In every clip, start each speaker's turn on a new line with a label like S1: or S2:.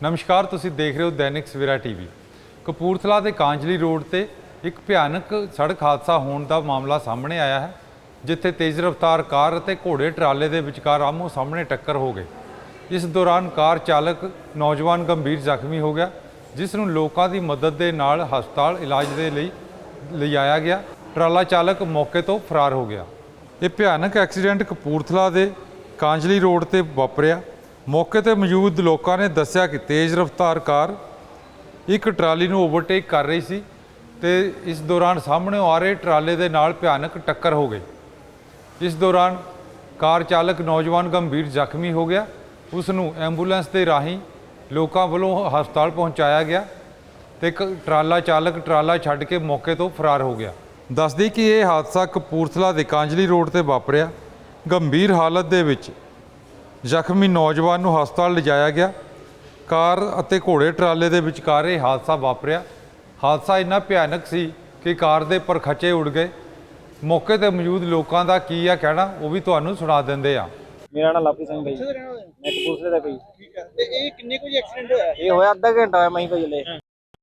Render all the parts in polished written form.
S1: नमस्कार, तुसी देख रहे हो दैनिक सवेरा टीवी। कपूरथला के कांजली रोड से एक भयानक सड़क हादसा होने का मामला सामने आया है, जिथे तेज़ रफ्तार कार और घोड़े ट्राले के विचकार आमो सामने टक्कर हो गई। इस दौरान कार चालक नौजवान गंभीर जख्मी हो गया, जिसनूं लोगों की मदद के नाल हस्पताल इलाज के लिए लिजाया गया। ट्राला चालक मौके तो फरार हो गया। ये भयानक एक्सीडेंट कपूरथला के कांजली रोड से वापरिया। मौके पर मौजूद लोगों ने दस्सिया कि तेज़ रफ्तार कार एक ट्राली नूं ओवरटेक कर रही सी ते इस दौरान सामने आ रहे ट्राले दे नाल भयानक टक्कर हो गई। इस दौरान कार चालक नौजवान गंभीर जख्मी हो गया। उसनूं एंबूलेंस के राही लोगों वालों हस्पताल पहुँचाया गया ते ट्राला चालक ट्राला छड्ड के मौके तो फरार हो गया। दस दी कि यह हादसा कपूरथला के कांजली रोड से वापरिया। गंभीर हालत दे विच ਜ਼ਖਮੀ नौजवान ਨੂੰ ਹਸਪਤਾਲ ਲਿਜਾਇਆ ਗਿਆ। ਕਾਰ ਅਤੇ ਘੋੜੇ ਟਰਾਲੇ ਦੇ ਵਿਚਕਾਰ ਇਹ ਹਾਦਸਾ ਵਾਪਰਿਆ। ਹਾਦਸਾ ਇੰਨਾ ਭਿਆਨਕ ਸੀ ਕਿ ਕਾਰ ਦੇ ਪਰਖਚੇ ਉੱਡ ਗਏ। ਮੌਕੇ ਤੇ ਮੌਜੂਦ ਲੋਕਾਂ ਦਾ ਕੀ ਆ ਕਹਿਣਾ, ਉਹ ਵੀ ਤੁਹਾਨੂੰ ਸੁਣਾ ਦਿੰਦੇ ਆ।
S2: ਮੇਰਾ ਨਾਮ ਲਾਪੀ ਸਿੰਘ ਭਾਈ, ਮੈਂ ਕਪੂਰਥਲੇ ਦਾ ਭਾਈ।
S3: ਠੀਕ ਹੈ, ਤੇ ਇਹ ਕਿੰਨੇ ਕੁ ਐਕਸੀਡੈਂਟ ਹੋਇਆ?
S2: ਇਹ ਹੋਇਆ ਅੱਧਾ ਘੰਟਾ ਹੋਇਆ ਮੈਂ ਭਾਈ ਹਲੇ।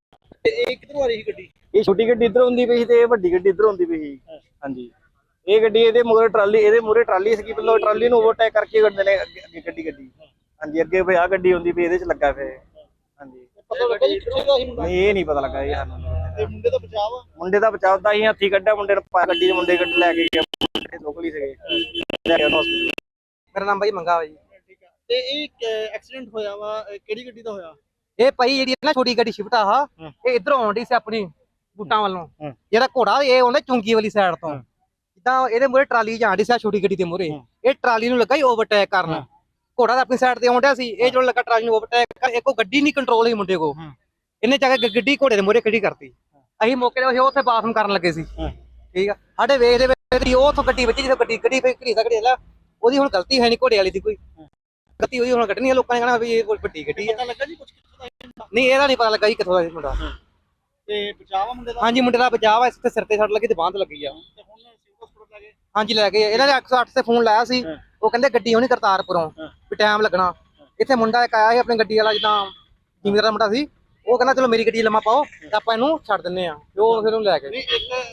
S3: ਤੇ ਇਹ ਕਿੱਧਰੋਂ ਆ ਰਹੀ ਸੀ ਗੱਡੀ?
S2: ਇਹ ਛੋਟੀ ਗੱਡੀ ਇੱਧਰ ਹੁੰਦੀ ਪਈ ਸੀ ਤੇ ਇਹ ਵੱਡੀ ਗੱਡੀ ਇੱਧਰ ਹੁੰਦੀ ਪਈ ਸੀ। ਹਾਂਜੀ, ਇਹ ਗੱਡੀ ਇਹਦੇ ਮੂਹਰੇ ਟਰਾਲੀ, ਇਹਦੇ ਮੂਹਰੇ ਟਰਾਲੀ ਸੀ। ਪਹਿਲਾਂ ਟਰਾਲੀ ਨੂੰ ਓਵਰਟੇਕ ਕਰਕੇ ਗੱਡੀ ਨੇ ਅੱਗੇ ਗੱਡੀ ਹਾਂਜੀ ਅੱਗੇ ਭਾਈ ਆ ਗੱਡੀ ਹੁੰਦੀ ਪਈ, ਇਹਦੇ ਚ ਲੱਗਾ ਫੇ। ਹਾਂਜੀ,
S3: ਪਤਾ ਲੱਗਾ ਜੀ ਕਿੱਥੇ ਦਾ ਸੀ ਮੁੰਡਾ?
S2: ਨਹੀਂ ਇਹ ਨਹੀਂ ਪਤਾ ਲੱਗਾ ਇਹ ਸਾਨੂੰ।
S3: ਤੇ ਮੁੰਡੇ ਦਾ ਬਚਾਅ ਆ?
S2: ਮੁੰਡੇ ਦਾ ਬਚਾਅ ਦਾ ਹੀ ਹੱਥੀ ਕੱਢਿਆ, ਮੁੰਡੇ ਨੂੰ ਗੱਡੀ ਦੇ ਮੁੰਡੇ ਗੱਡੀ ਲੈ ਕੇ ਗਿਆ, ਲੋਕਲ ਹੀ ਸੀਗੇ, ਲੈ ਕੇ ਹਸਪੀਟਲ।
S4: ਮੇਰਾ ਨਾਮ ਭਾਈ ਮੰਗਾ ਵਾ ਜੀ।
S3: ਠੀਕ ਹੈ, ਤੇ ਇਹ ਐਕਸੀਡੈਂਟ ਹੋਇਆ ਵਾ ਕਿਹੜੀ ਗੱਡੀ ਦਾ ਹੋਇਆ?
S4: ਇਹ ਭਾਈ ਜਿਹੜੀ ਨਾ ਛੋਟੀ ਗੱਡੀ ਸ਼ਿਫਟ ਆ, ਇਹ ਇਧਰੋਂ ਆਉਂਦੀ ਸੀ ਆਪਣੀ ਬੂਟਾਂ ਵੱਲੋਂ। ਜਿਹੜਾ ਘੋੜਾ ਇਹ ਆਉਂਦਾ ਚੁੰਗੀ ਵਾਲੀ ਸਾਈਡ ਤੋਂ। ਜਿੱਦਾਂ ਇਹਦੇ ਮੂਹਰੇ ਟਰਾਲੀ ਜਾਂਦੀ ਸੀ ਛੋਟੀ ਗੱਡੀ ਦੇ ਮੂਹਰੇ, ਇਹ ਟਰਾਲੀ ਨੂੰ ਲੱਗਾ ਹੀ ਓਵਰਟੇਕ ਕਰਨ। ਘੋੜਾ ਤਾਂ ਆਪਣੀ ਸਾਈਡ ਤੇ ਆਉਂਦਾ ਸੀ, ਇਹ ਜਦੋਂ ਲੱਗਾ ਟਰਾਲੀ ਨੂੰ ਓਵਰਟੇਕ ਕਰ, ਇੱਕੋ ਗੱਡੀ ਨਹੀਂ ਕੰਟਰੋਲ ਹੋਈ ਮੁੰਡੇ ਕੋ। ਇਹਨੇ ਜਾ ਕੇ ਗੱਡੀ ਘੋੜੇ ਦੇ ਮੂਹਰੇ ਖੜੀ ਕਰਤੀ। ਅਸੀਂ ਮੌਕੇ ਤੇ ਉੱਥੇ ਬਾਥਰੂਮ ਕਰਨ ਲੱਗੇ ਸੀ। ਠੀਕ ਆ, ਸਾਡੇ ਵੇਖਦੇ ਵੇਖਦੇ ਉਹ ਉੱਥੋਂ ਗੱਡੀ ਵੱਜੀ, ਜਦੋਂ ਗੱਡੀ ਘੜੀ ਸਕੜੀ ਉਹਦੀ ਹੁਣ ਗਲਤੀ ਹੈ ਨਹੀਂ ਘੋੜੇ ਵਾਲੀ ਦੀ, ਕੋਈ ਗਲਤੀ ਹੋਈ ਹੁਣ ਕੱਢਣੀ ਆ। ਲੋਕਾਂ ਨੇ ਕਹਿਣਾ ਵੀ ਇਹ ਕੋਈ ਵੱਡੀ ਗੱਡੀ ਆ।
S3: ਪਤਾ ਲੱਗਾ ਜੀ ਕੁਝ ਕਿੱਥੋਂ ਦਾ?
S4: ਨਹੀਂ ਇਹਦਾ ਨਹੀਂ ਪਤਾ ਲੱਗਾ ਜੀ ਕਿੱਥੋਂ ਦਾ ਸੀ ਮੁੰਡਾ।
S3: ਤੇ ਬਚਾਅ ਆ ਮੁੰਡੇ ਦਾ?
S4: ਹਾਂਜੀ, ਮੁੰਡੇ ਦਾ ਬਚਾਅ ਵਾ। ਇਸ ਤੇ ਸਿਰ ਤੇ ਸੱਟ ਲੱਗੀ ਤੇ ਬਾਂਹ ਤੇ ਲੱਗੀ ਆ।
S3: ਤੇ ਹੁਣ ਸਿਵਲ ਹਸਪਤਾਲ ਲੈ ਗਏ?
S4: ਹਾਂਜੀ ਲੈ ਗਏ। ਇਹਨਾਂ ਨੇ 108 ਤੇ ਫੋਨ ਲਾਇਆ ਸੀ, ਉਹ ਕਹਿੰਦੇ ਗੱਡੀ ਹੋਣੀ ਕਰਤਾਰਪੁਰੋਂ, ਵੀ ਟਾਈਮ ਲੱਗਣਾ। ਇੱਥੇ ਮੁੰਡਾ ਇੱਕ ਆਇਆ ਸੀ ਆਪਣੀ ਗੱਡੀ ਵਾਲਾ, ਜਿੱਦਾਂ ਜ਼ਿਮੀਂਦਾਰ ਦਾ ਮੁੰਡਾ ਸੀ, ਉਹ ਕਹਿੰਦਾ ਚਲੋ ਮੇਰੀ ਗੱਡੀ ਲੰਮਾ ਪਾਓ ਤੇ ਆਪਾਂ ਇਹਨੂੰ ਛੱਡ ਦਿੰਨੇ ਆ, ਤੇ ਉਹ ਫਿਰ ਉਹਨੂੰ ਲੈ ਗਏ।
S3: ਨਹੀਂ,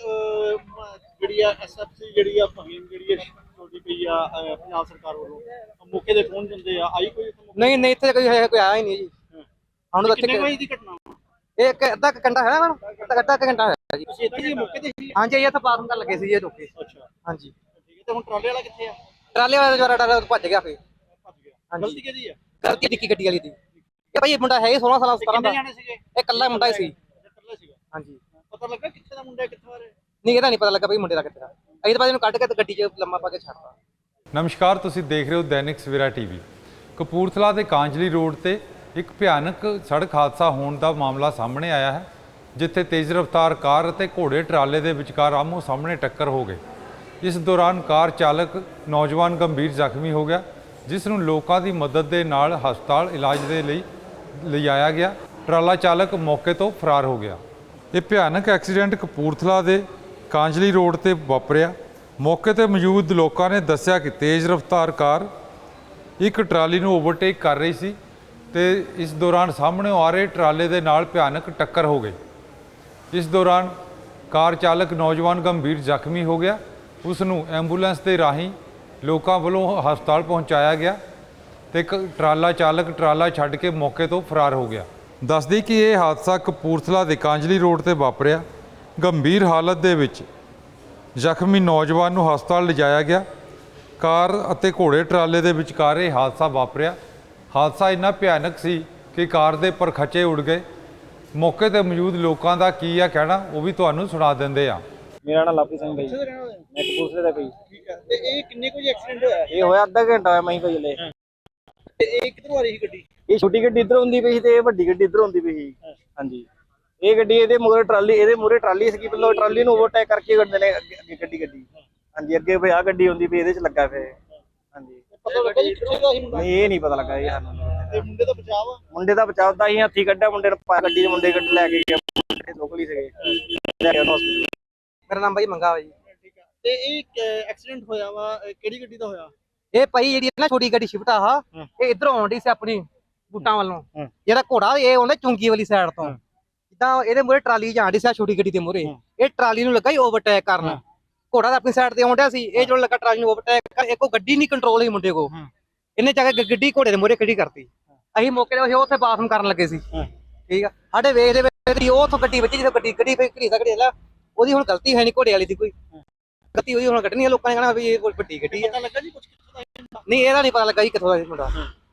S3: ਇੱਕ ਜਿਹੜੀ ਆ ਐਸਐਫਸੀ ਜਿਹੜੀ ਆ ਫਹੀਮ ਜਿਹੜੀ ਆ ਛੋਟੀ ਪਈ ਆ ਪੰਜਾਬ ਸਰਕਾਰ ਵੱਲੋਂ, ਮੌਕੇ ਦੇ ਫੋਨ ਦਿੰਦੇ ਆ, ਆਈ ਕੋਈ?
S4: ਨਹੀਂ ਨਹੀਂ, ਇੱਥੇ ਕੋਈ ਆਇਆ ਹੀ ਨਹੀਂ ਜੀ। ਹੁਣ
S3: ਕਿੰਨੇ ਵਜੇ ਦੀ ਘਟਨਾ?
S4: ਇਹ ਅੱਧਾ ਘੰਟਾ ਹੈ ਨਾ, ਅੱਧਾ ਘੰਟਾ ਹੋਇਆ ਜੀ।
S3: ਤੁਸੀਂ ਇੱਥੇ ਜੀ ਮੌਕੇ ਤੇ ਸੀ?
S4: ਹਾਂਜੀ, ਇਹ ਇੱਥੇ ਬਾਥਰੂਮ ਕਰਨ ਲੱਗੇ ਸੀ ਜੀ ਰੁਕੇ।
S3: ਅੱਛਾ,
S4: ਹਾਂਜੀ,
S3: ਠੀਕ ਹੈ। ਤੇ ਹੁਣ ਟਰਾਲੇ ਵਾਲਾ ਕਿੱਥੇ ਆ?
S4: ਟਰਾਲੇ ਵਾਲਾ ਜਵਾਰਾ ਡਰ ਭੱਜ ਗਿਆ ਫਿਰ।
S3: ਭੱਜ ਗਿਆ?
S4: ਹਾਂਜੀ।
S3: ਗਲਤੀ ਕਿਹਦੀ ਆ?
S4: ਗਲਤੀ ਨਿੱਕੀ ਗੱਡੀ ਵਾਲੀ ਦੀ। ਇਹ ਭਾਈ ਇਹ ਮੁੰਡਾ ਹੈ 16 ਸਾਲਾਂ 17 ਦਾ।
S3: ਕਿੰਨੇ ਜਾਣੇ ਸੀਗੇ?
S4: ਇਹ ਇਕੱਲਾ ਮੁੰਡਾ ਹੀ ਸੀ।
S3: ਇਕੱਲਾ ਸੀਗਾ?
S4: ਹਾਂਜੀ,
S3: ਪਤਾ ਲੱਗਾ ਕਿੱਥੇ ਦਾ ਮੁੰਡਾ, ਕਿੱਥੋਂ ਆ ਰਿਹਾ?
S4: ਨਹੀਂ ਇਹਦਾ ਨਹੀਂ ਪਤਾ ਲੱਗਾ ਭਾਈ ਮੁੰਡੇ ਦਾ ਕਿੱਥੇ ਦਾ। ਅਸੀਂ ਤਾਂ ਬਾਅਦ ਇਹਨੂੰ ਕੱਢ ਕੇ ਤੇ ਗੱਡੀ 'ਚ ਲੰਮਾ ਪਾ ਕੇ ਛੱਡਤਾ।
S1: ਨਮਸਕਾਰ, ਤੁਸੀਂ ਦੇਖ ਰਹੇ ਹੋ दैनिक सवेरा टीवी। कपूरथला के कांजली रोड से एक भयानक सड़क हादसा होने का मामला सामने आया है, जिथे तेज़ रफ्तार कार और घोड़े ट्राले के विचकार आमो सामने टक्कर हो गई। इस दौरान कार चालक नौजवान गंभीर जख्मी हो गया, जिसनूं लोगों की मदद के नाल हस्पताल इलाज के लिए लिजाया गया। ट्राला चालक मौके तो फरार हो गया। ये भयानक एक्सीडेंट कपूरथला के कांजली रोड से वापरिया। मौके पर मौजूद लोगों ने दस्सिया कि तेज़ रफ्तार कार एक ट्राली नूं ओवरटेक कर रही सी ते इस दौरान सामने आ रहे ट्राले दे नाल भयानक टक्कर हो गई। इस दौरान कार चालक नौजवान गंभीर जख्मी हो गया। उसनूं एंबूलेंस के राही लोगों वालों हस्पताल पहुँचाया गया ते ट्राला चालक ट्राला छड्ड के मौके तो फरार हो गया। दस दी कि यह हादसा कपूरथला के कांजली रोड से वापरिया। गंभीर हालत दे विच ਜ਼ਖਮੀ ਨੌਜਵਾਨ ਨੂੰ ਹਸਪਤਾਲ ਲਿਜਾਇਆ ਗਿਆ। ਕਾਰ ਅਤੇ ਘੋੜੇ ਟਰਾਲੇ ਦੇ ਵਿਚਕਾਰ ਇਹ ਹਾਦਸਾ ਵਾਪਰਿਆ। ਹਾਦਸਾ ਇੰਨਾ ਭਿਆਨਕ ਸੀ ਕਿ ਕਾਰ ਦੇ ਪਰਖਚੇ ਉੱਡ ਗਏ। ਮੌਕੇ ਤੇ ਮੌਜੂਦ ਲੋਕਾਂ ਦਾ ਕੀ ਆ ਕਹਿਣਾ, ਉਹ ਵੀ ਤੁਹਾਨੂੰ ਸੁਣਾ ਦਿੰਦੇ ਆ।
S2: ਮੇਰਾ ਨਾਮ ਲਾਪੀ ਸਿੰਘ ਭਾਈ,
S3: ਕਿੱਥੇ ਦਾ ਰਹਿਣ ਵਾਲਾ?
S2: ਮੈਂ ਕਪੂਰਥਲੇ ਦਾ ਭਾਈ।
S3: ਠੀਕ ਹੈ, ਤੇ ਇਹ ਕਿੰਨੇ ਕੁ ਐਕਸੀਡੈਂਟ ਹੋਇਆ?
S2: ਇਹ ਹੋਇਆ ਅੱਧਾ ਘੰਟਾ ਹੋਇਆ ਮੈਂ ਭਾਈ ਹਲੇ।
S3: ਤੇ ਇਹ ਕਿੱਧਰੋਂ ਆ ਰਹੀ ਸੀ ਗੱਡੀ?
S2: ਇਹ ਛੋਟੀ ਗੱਡੀ ਇੱਧਰ ਹੁੰਦੀ ਪਈ ਸੀ ਤੇ ਇਹ ਵੱਡੀ ਗੱਡੀ ਇੱਧਰ ਹੁੰਦੀ ਪਈ ਸੀ। ਹਾਂਜੀ, ਇਹ ਗੱਡੀ ਇਹਦੇ ਮੂਹਰੇ ਟਰਾਲੀ, ਇਹਦੇ ਮੂਹਰੇ ਟਰਾਲੀ ਸੀ। ਪਹਿਲਾਂ ਟਰਾਲੀ ਨੂੰ ਓਵਰਟੇਕ ਕਰਕੇ ਗੱਡੀ ਨੇ ਅੱਗੇ ਗੱਡੀ ਹਾਂਜੀ ਅੱਗੇ ਭਾਈ ਆ ਗੱਡੀ ਹੁੰਦੀ ਪਈ, ਇਹਦੇ ਚ ਲੱਗਾ ਫੇ। ਹਾਂਜੀ,
S3: ਪਤਾ ਲੱਗਾ ਜੀ ਕਿੱਥੇ ਦਾ ਸੀ ਮੁੰਡਾ?
S2: ਨਹੀਂ ਇਹ ਨਹੀਂ ਪਤਾ ਲੱਗਾ ਇਹ ਸਾਨੂੰ।
S3: ਤੇ ਮੁੰਡੇ ਦਾ ਬਚਾਅ ਆ?
S2: ਮੁੰਡੇ ਦਾ ਬਚਾਅ ਦਾ ਹੀ ਹੱਥੀ ਕੱਢਿਆ, ਮੁੰਡੇ ਨੂੰ ਗੱਡੀ ਦੇ ਮੁੰਡੇ ਗੱਡੀ ਲੈ ਕੇ ਗਿਆ, ਲੋਕਲ ਹੀ ਸੀਗੇ, ਲੈ ਕੇ ਹਸਪੀਟਲ।
S4: ਮੇਰਾ ਨਾਮ ਭਾਈ ਮੰਗਾ ਵਾ ਜੀ।
S3: ਠੀਕ ਹੈ, ਤੇ ਇਹ ਐਕਸੀਡੈਂਟ ਹੋਇਆ ਵਾ ਕਿਹੜੀ ਗੱਡੀ ਦਾ ਹੋਇਆ?
S4: ਇਹ ਭਾਈ ਜਿਹੜੀ ਨਾ ਛੋਟੀ ਗੱਡੀ ਸ਼ਿਫਟ ਆ, ਇਹ ਇਧਰੋਂ ਆਉਂਦੀ ਸੀ ਆਪਣੀ ਬੂਟਾਂ ਵੱਲੋਂ ਜਿਹੜਾ ਘੋੜਾ ਇਹ ਆਉਂਦਾ ਚੁੰਗੀ ਵਾਲੀ ਸਾਈਡ ਤੋਂ ਜਿੱਦਾਂ ਇਹਦੇ ਮੂਹਰੇ ਟਰਾਲੀ ਜਾਂਦੀ ਸੀ ਛੋਟੀ ਗੱਡੀ ਦੇ ਮੂਹਰੇ ਇਹ ਟਰਾਲੀ ਨੂੰ ਲੱਗਾ ਹੀ ਓਵਰਟੇਕ ਕਰਨ ਘੋੜਾ ਤਾਂ ਆਪਣੀ ਸਾਈਡ ਤੇ ਆਉਂਦਿਆ ਸੀ ਇਹ ਜਦੋਂ ਲੱਗਾ ਟਰਾਲੀ ਨੂੰ ਓਵਰਟੇਕ ਕਰ ਇੱਕੋ ਗੱਡੀ ਨਹੀਂ ਕੰਟਰੋਲ ਹੋਈ ਮੁੰਡੇ ਕੋ ਇਹਨੇ ਜਾ ਕੇ ਗੱਡੀ ਘੋੜੇ ਦੇ ਮੂਹਰੇ ਖੜੀ ਕਰਤੀ ਅਸੀਂ ਮੌਕੇ ਤੇ ਉੱਥੇ ਬਾਥਰੂਮ ਕਰਨ ਲੱਗੇ ਸੀ ਠੀਕ ਆ ਸਾਡੇ ਵੇਖਦੇ ਵੇਖਦੇ ਉਹ ਉੱਥੋਂ ਗੱਡੀ ਵੱਜੀ ਜਿੱਥੇ ਗੱਡੀ ਫੇਰ ਘੜੀ ਸਕੜੀ ਲੈ ਉਹਦੀ ਹੁਣ ਗਲਤੀ ਹੈ ਨਹੀਂ ਘੋੜੇ ਵਾਲੀ ਦੀ ਕੋਈ ਗਲਤੀ ਉਹਦੀ ਹੁਣ ਕੱਢਣੀ ਆ ਲੋਕਾਂ ਨੇ ਕਹਿਣਾ ਵੀ ਇਹ ਗੱਡੀ ਗੱਡੀ ਆ
S3: ਪਤਾ ਲੱਗਾ ਜੀ ਕੁਝ ਕਿੱਥੋਂ ਦਾ ਇਹ ਮੁੰਡਾ?
S4: ਨਹੀਂ ਇਹਦਾ ਨਹੀਂ ਪਤਾ ਲੱਗਾ ਜੀ ਕਿੱਥੋਂ ਦਾ ਇਹ ਮੁੰਡਾ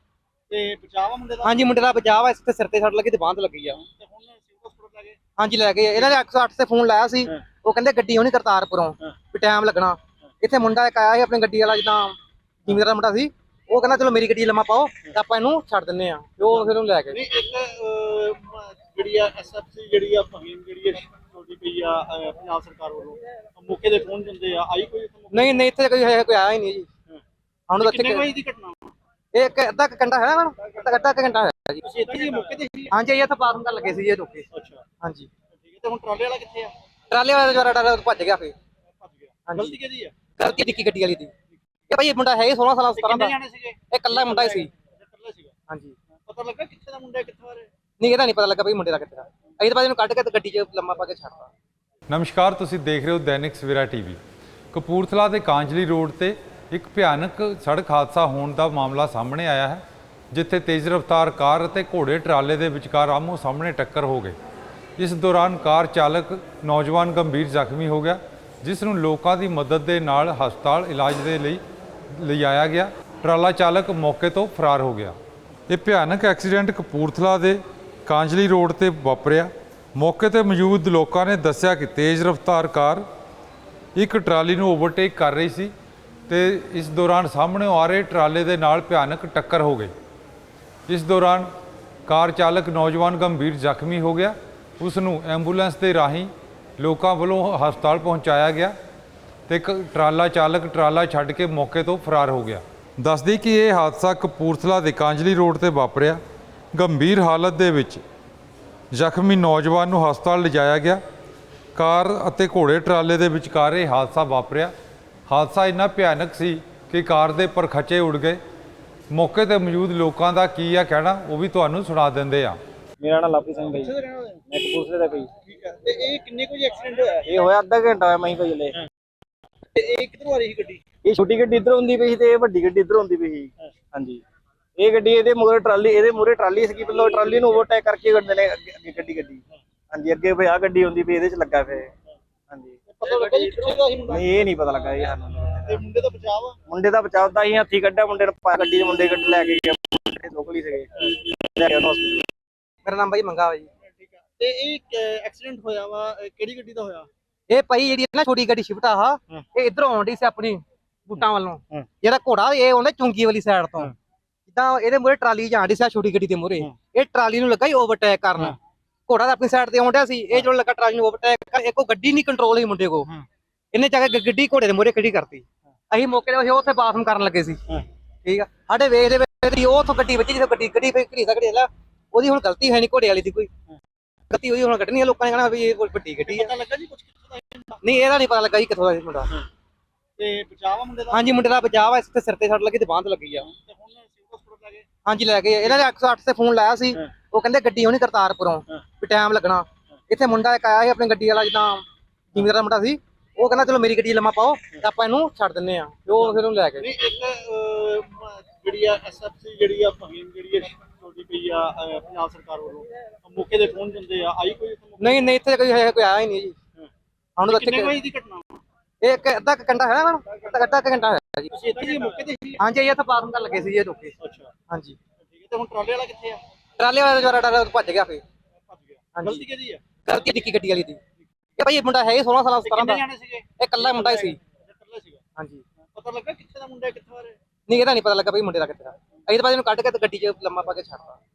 S3: ਤੇ ਬਚਾਵਾ ਮੁੰਡੇ ਦਾ
S4: ਹਾਂਜੀ ਮੁੰਡੇ ਦਾ ਬਚਾਅ ਆ ਇਸ ਤੇ ਸਿਰ ਤੇ ਸੱਟ ਲੱਗੀ ਤੇ ਬਾਂਹ ਤੇ ਲੱਗੀ ਆ
S3: ਤੇ ਹੁਣ ਸਿਵਲ ਹਸਪਤਾਲ ਲੈ ਗਏ
S4: ਹਾਂਜੀ ਲੈ ਗਏ ਇਹਨਾਂ ਨੇ 108 ਤੇ ਫੋਨ ਲਾਇਆ ਸੀ ਉਹ ਕਹਿੰਦੇ ਗੱਡੀ ਹੋਣੀ ਕਰਤਾਰਪੁਰੋਂ ਵੀ ਟਾਈਮ ਲੱਗਣਾ ਇੱਥੇ ਮੁੰਡਾ ਇੱਕ ਆਇਆ ਸੀ ਆਪਣੀ ਗੱਡੀ ਵਾਲਾ ਜਿੱਦਾਂ ਜ਼ਿਮੀਦਾਰ ਦਾ ਮੁੰਡਾ ਸੀ ਉਹ ਕਹਿੰਦਾ ਚਲੋ ਮੇਰੀ ਗੱਡੀ ਲੰਮਾ ਪਾਓ ਤੇ ਆਪਾਂ ਇਹਨੂੰ ਛੱਡ ਦਿੰਨੇ ਆ ਤੇ ਉਹ ਫਿਰ ਉਹਨੂੰ ਲੈ ਗਏ
S3: ਨਹੀਂ ਇੱਕ ਜਿਹੜੀ ਆ ਐਸਐਫਸੀ ਜਿਹੜੀ ਆ ਫਹੀਮ ਜਿਹੜੀ ਛੋਟੀ ਪਈ ਆ ਪੰਜਾਬ ਸਰਕਾਰ ਵੱਲੋਂ ਮੌਕੇ ਦੇ ਫੋਨ ਦਿੰਦੇ ਆ ਆਈ ਕੋਈ ਇੱਥੇ ਮੌਕੇ?
S4: ਨਹੀਂ ਨਹੀਂ ਇੱਥੇ ਕੋਈ ਆਇਆ ਹੀ ਨਹੀਂ ਜੀ ਹੁਣ ਤਾਂ
S3: ਕਿੰਨੇ
S4: ਇੱਥੇ
S3: ਵਜੇ ਦੀ ਘਟਨਾ
S4: ਇਹ ਅੱਧਾ ਕੁ ਘੰਟਾ ਹੈ ਨਾ ਅੱਧਾ ਕੁ ਘੰਟਾ ਹੈ ਜੀ
S3: ਤੁਸੀਂ ਇੱਥੇ ਹੀ ਮੌਕੇ ਤੇ ਸੀ?
S4: ਹਾਂਜੀ ਇਹ ਇੱਥੇ ਬਾਥਰੂਮ ਕਰਨ ਲੱਗੇ ਸੀ ਜੀ ਇਹ ਲੋਕੇ
S3: ਅੱਛਾ
S4: ਹਾਂਜੀ
S3: ਠੀਕ ਹੈ ਤੇ ਹੁਣ ਟਰਾਲੇ ਵਾਲਾ ਕਿੱਥੇ ਆ
S4: ਟਰਾਲੇ ਵਾਲਾ ਜਵਾਰਾ ਡਰ ਭੱਜ ਗਿਆ ਫੇ
S3: ਭੱਜ ਗਿਆ
S4: ਹਾਂਜੀ।
S3: ਗਲਤੀ ਕਿਹਦੀ ਆ
S4: ਗਲਤੀ ਨਿੱਕੀ ਗੱਡੀ ਵਾਲੀ ਦੀ ਇਹ ਭਾਈ ਇਹ ਮੁੰਡਾ ਹੈ 16 ਸਾਲਾਂ 17
S3: ਕਿੰਨੇ
S4: ਦਾ
S3: ਜਾਣੇ ਸੀਗੇ
S4: ਇਹ ਇਕੱਲਾ ਮੁੰਡਾ ਹੀ ਸੀ
S3: ਇਕੱਲਾ ਸੀਗਾ
S4: ਹਾਂਜੀ
S3: ਪਤਾ ਲੱਗਾ ਕਿੱਥੇ ਦਾ ਮੁੰਡਾ ਕਿੱਥੋਂ ਆ ਰਿਹਾ
S4: ਨਹੀਂ ਇਹਦਾ ਨਹੀਂ ਪਤਾ ਲੱਗਾ ਭਾਈ ਮੁੰਡੇ ਦਾ ਕਿੱਥੇ ਦਾ ਅਸੀਂ ਤਾਂ ਬਾਅਦ ਇਹਨੂੰ ਕੱਢ ਕੇ ਤੇ ਗੱਡੀ 'ਚ ਲੰਮਾ ਪਾ ਕੇ ਛੱਡਤਾ
S1: ਨਮਸਕਾਰ, ਤੁਸੀਂ ਦੇਖ ਰਹੇ ਹੋ ਦੈਨਿਕ ਸਵੇਰਾ ਟੀਵੀ। ਕਪੂਰਥਲਾ ਦੇ ਕਾਂਜਲੀ ਰੋਡ ਤੇ ਇੱਕ ਭਿਆਨਕ ਸੜਕ ਹਾਦਸਾ ਹੋਣ ਦਾ ਮਾਮਲਾ ਸਾਹਮਣੇ ਆਇਆ ਹੈ, ਜਿੱਥੇ ਤੇਜ਼ ਰਫ਼ਤਾਰ ਕਾਰ ਅਤੇ ਘੋੜੇ ਟਰਾਲੇ ਦੇ ਵਿਚਕਾਰ ਆਮੋ ਸਾਹਮਣੇ ਟੱਕਰ ਹੋ ਗਈ। ਇਸ ਦੌਰਾਨ ਕਾਰ ਚਾਲਕ ਨੌਜਵਾਨ ਗੰਭੀਰ ਜ਼ਖਮੀ ਹੋ ਗਿਆ, ਜਿਸ ਨੂੰ ਲੋਕਾਂ ਦੀ ਮਦਦ ਦੇ ਨਾਲ ਹਸਪਤਾਲ ਇਲਾਜ ਦੇ ਲਈ ਲਿਜਾਇਆ ਗਿਆ। ਟਰਾਲਾ ਚਾਲਕ ਮੌਕੇ ਤੋਂ ਫਰਾਰ ਹੋ ਗਿਆ। ਇਹ ਭਿਆਨਕ ਐਕਸੀਡੈਂਟ ਕਪੂਰਥਲਾ ਦੇ ਕਾਂਜਲੀ ਰੋਡ ਤੇ ਵਾਪਰਿਆ। ਮੌਕੇ ਤੇ ਮੌਜੂਦ ਲੋਕਾਂ ਨੇ ਦੱਸਿਆ ਕਿ ਤੇਜ਼ ਰਫ਼ਤਾਰ ਕਾਰ ਇੱਕ ਟਰਾਲੀ ਨੂੰ ਓਵਰਟੇਕ ਕਰ ਰਹੀ ਸੀ ਤੇ ਇਸ ਦੌਰਾਨ ਸਾਹਮਣੇ ਆ ਰਹੇ ਟਰਾਲੇ ਦੇ ਨਾਲ ਭਿਆਨਕ ਟੱਕਰ ਹੋ ਗਈ। ਇਸ ਦੌਰਾਨ ਕਾਰ ਚਾਲਕ ਨੌਜਵਾਨ ਗੰਭੀਰ ਜ਼ਖਮੀ ਹੋ ਗਿਆ। ਉਸ ਨੂੰ ਐਂਬੂਲੈਂਸ ਦੇ ਰਾਹੀਂ ਲੋਕਾਂ ਵੱਲੋਂ ਹਸਪਤਾਲ ਪਹੁੰਚਾਇਆ ਗਿਆ ਤੇ ਇੱਕ ਟਰਾਲਾ ਚਾਲਕ ਟਰਾਲਾ ਛੱਡ ਕੇ ਮੌਕੇ ਤੋਂ ਫਰਾਰ ਹੋ ਗਿਆ। ਦੱਸਦੀ ਕਿ ਇਹ ਹਾਦਸਾ ਕਪੂਰਥਲਾ ਦੇ ਕਾਂਜਲੀ ਰੋਡ ਤੇ ਵਾਪਰਿਆ। ਗੰਭੀਰ ਹਾਲਤ ਦੇ ਵਿੱਚ ਜ਼ਖਮੀ ਨੌਜਵਾਨ ਨੂੰ ਹਸਪਤਾਲ ਲਿਜਾਇਆ ਗਿਆ। ਕਾਰ ਅਤੇ ਘੋੜੇ ਟਰਾਲੇ ਦੇ ਵਿਚਕਾਰ ਇਹ ਹਾਦਸਾ ਵਾਪਰਿਆ। ਹਾਦਸਾ ਇੰਨਾ ਭਿਆਨਕ ਸੀ ਕਿ ਕਾਰ ਦੇ ਪਰਖਚੇ ਉੱਡ ਗਏ। ਮੌਕੇ ਤੇ ਮੌਜੂਦ ਲੋਕਾਂ ਦਾ ਕੀ ਆ ਕਹਿਣਾ, ਉਹ ਵੀ ਤੁਹਾਨੂੰ ਸੁਣਾ ਦਿੰਦੇ ਆ।
S2: ਮੇਰਾ ਨਾਮ ਲਾਪੀ ਸਿੰਘ ਭਾਈ,
S3: ਕਿੱਥੇ ਦਾ ਰਹਿਣ ਵਾਲੇ
S2: ਮੈਂ ਕਪੂਰਥਲੇ ਦਾ ਭਾਈ।
S3: ਠੀਕ ਹੈ ਤੇ ਇਹ ਕਿੰਨੇ ਕੁ ਐਕਸੀਡੈਂਟ ਹੋਇਆ
S2: ਇਹ ਹੋਇਆ ਅੱਧਾ ਘੰਟਾ ਹੋਇਆ ਮਹੀਂ ਭਾਈ ਲੈ।
S3: ਤੇ ਇਹ ਕਿੱਧਰੋਂ ਆ ਰਹੀ ਸੀ ਗੱਡੀ
S2: ਇਹ ਛੋਟੀ ਗੱਡੀ ਇੱਧਰ ਹੁੰਦੀ ਪਈ ਸੀ ਤੇ ਇਹ ਵੱਡੀ ਗੱਡੀ ਇੱਧਰ ਹੁੰਦੀ ਪਈ ਸੀ। ਹਾਂਜੀ ਇਹ ਗੱਡੀ ਇਹਦੇ ਮੂਹਰੇ ਟਰਾਲੀ ਸੀਗੀ, ਪਹਿਲਾਂ ਟਰਾਲੀ ਨੂੰ ਓਵਰਟੇਕ ਕਰਕੇ ਗੱਡੀ ਨੇ ਅੱਗੇ ਗੱਡੀ ਹਾਂਜੀ ਅੱਗੇ ਵੀ ਆ ਗੱਡੀ ਹੁੰਦੀ ਪਈ ਇਹਦੇ ਚ ਲੱਗਾ ਫੇ। ਹਾਂਜੀ
S3: ਪਤਾ ਲੱਗਾ ਜੀ ਕਿੱਥੇ ਦਾ ਸੀ ਮੁੰਡਾ
S2: ਨਹੀਂ ਇਹ ਨਹੀਂ ਪਤਾ ਲੱਗਾ ਇਹ ਸਾਨੂੰ।
S3: ਤੇ ਮੁੰਡੇ ਦਾ ਬਚਾਅ ਆ
S2: ਮੁੰਡੇ ਦਾ ਬਚਾਉਂਦਾ ਸੀ, ਹੱਥੀ ਕੱਢਿਆ ਮੁੰਡੇ ਨੂੰ, ਗੱਡੀ ਦੇ ਮੁੰਡੇ ਗੱਡੀ ਲੈ ਕੇ ਗਿਆ, ਲੋਕਲ ਹੀ ਸੀਗੇ, ਲੈ ਗਿਆ ਹਸਪੀਟਲ।
S4: ਮੇਰਾ ਨਾਮ ਭਾਈ ਮੰਗਾ ਵਾ ਜੀ।
S3: ਠੀਕ ਹੈ ਤੇ ਇਹ ਐਕਸੀਡੈਂਟ ਹੋਇਆ ਵਾ ਕਿਹੜੀ ਗੱਡੀ ਦਾ ਹੋਇਆ
S4: ਇਹ ਭਾਈ ਜਿਹੜੀ ਨਾ ਛੋਟੀ ਗੱਡੀ ਸ਼ਿਫਟ ਆ ਇਹ ਇਧਰੋਂ ਆਉਂਦੀ ਸੀ ਆਪਣੀ ਬੂਟਾਂ ਵੱਲੋਂ ਜਿਹੜਾ ਘੋੜਾ ਇਹ ਆਉਂਦਾ ਚੁੰਗੀ ਵਾਲੀ ਸਾਈਡ ਤੋਂ ਜਿੱਦਾਂ ਇਹਦੇ ਮੂਹਰੇ ਟਰਾਲੀ ਜਾਂਦੀ ਸੀ ਛੋਟੀ ਗੱਡੀ ਦੇ ਮੂਹਰੇ ਇਹ ਟਰਾਲੀ ਨੂੰ ਲੱਗਾ ਹੀ ਓਵਰਟੇਕ ਕਰਨ ਘੋੜਾ ਤਾਂ ਆਪਣੀ ਸਾਈਡ ਤੇ ਆਉਂਦਿਆ ਸੀ ਇਹ ਜਦੋਂ ਲੱਗਾ ਟਰਾਲੀ ਨੂੰ ਓਵਰਟੇਕ ਕਰ ਇੱਕੋ ਗੱਡੀ ਨਹੀਂ ਕੰਟਰੋਲ ਹੋਈ ਮੁੰਡੇ ਕੋ ਇਹਨੇ ਜਾ ਕੇ ਗੱਡੀ ਘੋੜੇ ਦੇ ਮੂਹਰੇ ਖੜੀ ਕਰਤੀ ਅਸੀਂ ਮੌਕੇ ਤੇ ਉੱਥੇ ਬਾਥਰੂਮ ਕਰਨ ਲੱਗੇ ਸੀ ਠੀਕ ਆ ਸਾਡੇ ਵੇਖਦੇ ਵੇਖਦੇ ਉਹ ਉੱਥੋਂ ਗੱਡੀ ਵੱਜੀ ਜਿੱਥੇ ਗੱਡੀ ਫੇਰ ਘੜੀ ਸਕੜੀ ਲੈ ਉਹਦੀ ਹੁਣ ਗਲਤੀ ਹੈ ਨਹੀਂ ਘੋੜੇ ਵਾਲੀ ਦੀ ਕੋਈ ਗਲਤੀ ਉਹਦੀ ਹੁਣ ਕੱਢਣੀ ਆ ਲੋਕਾਂ ਨੇ ਕਹਿਣਾ ਵੀ ਇਹ ਵੱਡੀ ਗੱਡੀ ਆ
S3: ਪਤਾ ਲੱਗਾ ਜੀ ਕੁਝ ਕਿੱਥੋਂ ਦਾ ਇਹ ਮੁੰਡਾ?
S4: ਨਹੀਂ ਇਹਦਾ ਨਹੀਂ ਪਤਾ ਲੱਗਾ ਜੀ ਕਿੱਥੋਂ ਦਾ ਇਹ ਮੁੰਡਾ
S3: ਤੇ ਬਚਾਵਾ ਮੁੰਡੇ ਦਾ
S4: ਹਾਂਜੀ ਮੁੰਡੇ ਦਾ ਬਚਾਅ ਆ ਇਸ ਤੇ ਸਿਰ ਤੇ ਸੱਟ ਲੱਗੀ ਤੇ ਬਾਂਹ ਤੇ ਲੱਗੀ ਆ
S3: ਤੇ ਹੁਣ ਸਿਵਲ ਹਸਪਤਾਲ ਲੈ ਗਏ
S4: ਹਾਂਜੀ ਲੈ ਗਏ ਇਹਨਾਂ ਨੇ 108 ਤੇ ਫੋਨ ਲਾਇਆ ਸੀ ਉਹ ਕਹਿੰਦੇ ਗੱਡੀ ਹੋਣੀ ਕਰਤਾਰਪੁਰੋਂ ਵੀ ਟਾਈਮ ਲੱਗਣਾ ਇੱਥੇ ਮੁੰਡਾ ਇੱਕ ਆਇਆ ਸੀ ਆਪਣੀ ਗੱਡੀ ਵਾਲਾ ਜਿੱਦਾਂ ਜ਼ਿਮੀਦਾਰ ਦਾ ਮੁੰਡਾ ਸੀ ਉਹ ਕਹਿੰਦਾ ਚਲੋ ਮੇਰੀ ਗੱਡੀ ਲੰਮਾ ਪਾਓ ਤੇ ਆਪਾਂ ਇਹਨੂੰ ਛੱਡ ਦਿੰਨੇ ਆ ਤੇ ਉਹ ਫਿਰ ਉਹਨੂੰ ਲੈ ਗਏ
S3: ਨਹੀਂ ਇੱਕ ਜਿਹੜੀ ਆ ਐਸਐਫਸੀ ਜਿਹੜੀ ਆ ਫਹੀਮ ਜਿਹੜੀ ਆ ਛੋਟੀ ਪਈ ਆ ਪੰਜਾਬ ਸਰਕਾਰ ਵੱਲੋਂ ਮੌਕੇ ਦੇ ਫੋਨ ਦਿੰਦੇ ਆ ਆਈ ਕੋਈ ਇੱਥੇ ਮੌਕੇ?
S4: ਨਹੀਂ ਨਹੀਂ ਇੱਥੇ ਕੋਈ ਆਇਆ ਹੀ ਨਹੀਂ ਜੀ ਹੁਣ ਤਾਂ
S3: ਕਿੰਨੇ
S4: ਇੱਥੇ
S3: ਵਜੇ ਦੀ ਘਟਨਾ
S4: ਇਹ ਅੱਧਾ ਕੁ ਘੰਟਾ ਹੈ ਨਾ ਅੱਧਾ ਕੁ ਘੰਟਾ ਹੈ ਜੀ
S3: ਤੁਸੀਂ ਇੱਥੇ ਹੀ ਮੌਕੇ ਤੇ ਸੀ
S4: ਹਾਂਜੀ ਇਹ ਇੱਥੇ ਬਾਥਰੂਮ ਕਰਨ ਲੱਗੇ ਸੀ ਜੀ ਇਹ ਲੋਕੇ
S3: ਅੱਛਾ
S4: ਹਾਂਜੀ
S3: ਠੀਕ ਹੈ ਤੇ ਹੁਣ ਟਰਾਲੇ ਵਾਲਾ ਕਿੱਥੇ ਆ
S4: ਟਰਾਲੇ ਵਾਲਾ ਜਵਾਰਾ ਡਰ ਭੱਜ ਗਿਆ ਫੇ
S3: ਭੱਜ ਗਿਆ
S4: ਹਾਂਜੀ।
S3: ਗਲਤੀ ਕਿਹਦੀ ਆ
S4: ਗਲਤੀ ਨਿੱਕੀ ਗੱਡੀ ਵਾਲੀ ਦੀ ਇਹ ਭਾਈ ਇਹ ਮੁੰਡਾ ਹੈ 16 ਸਾਲਾਂ 17
S3: ਕਿੰਨੇ
S4: ਦਾ
S3: ਜਾਣੇ ਸੀਗੇ
S4: ਇਹ ਇਕੱਲਾ ਮੁੰਡਾ ਹੀ ਸੀ
S3: ਇਕੱਲਾ ਸੀਗਾ
S4: ਹਾਂਜੀ
S3: ਪਤਾ ਲੱਗਾ ਕਿੱਥੇ ਦਾ ਮੁੰਡਾ ਕਿੱਥੋਂ ਆ ਰਿਹਾ
S4: ਨਹੀਂ ਇਹਦਾ ਨਹੀਂ ਪਤਾ ਲੱਗਾ ਭਾਈ ਮੁੰਡੇ ਦਾ ਕਿੱਥੇ ਦਾ ਅਸੀਂ ਤਾਂ ਬਾਅਦ ਇਹਨੂੰ ਕੱਢ ਕੇ ਤੇ ਗੱਡੀ 'ਚ ਲੰਮਾ ਪਾ ਕੇ ਛੱਡਤਾ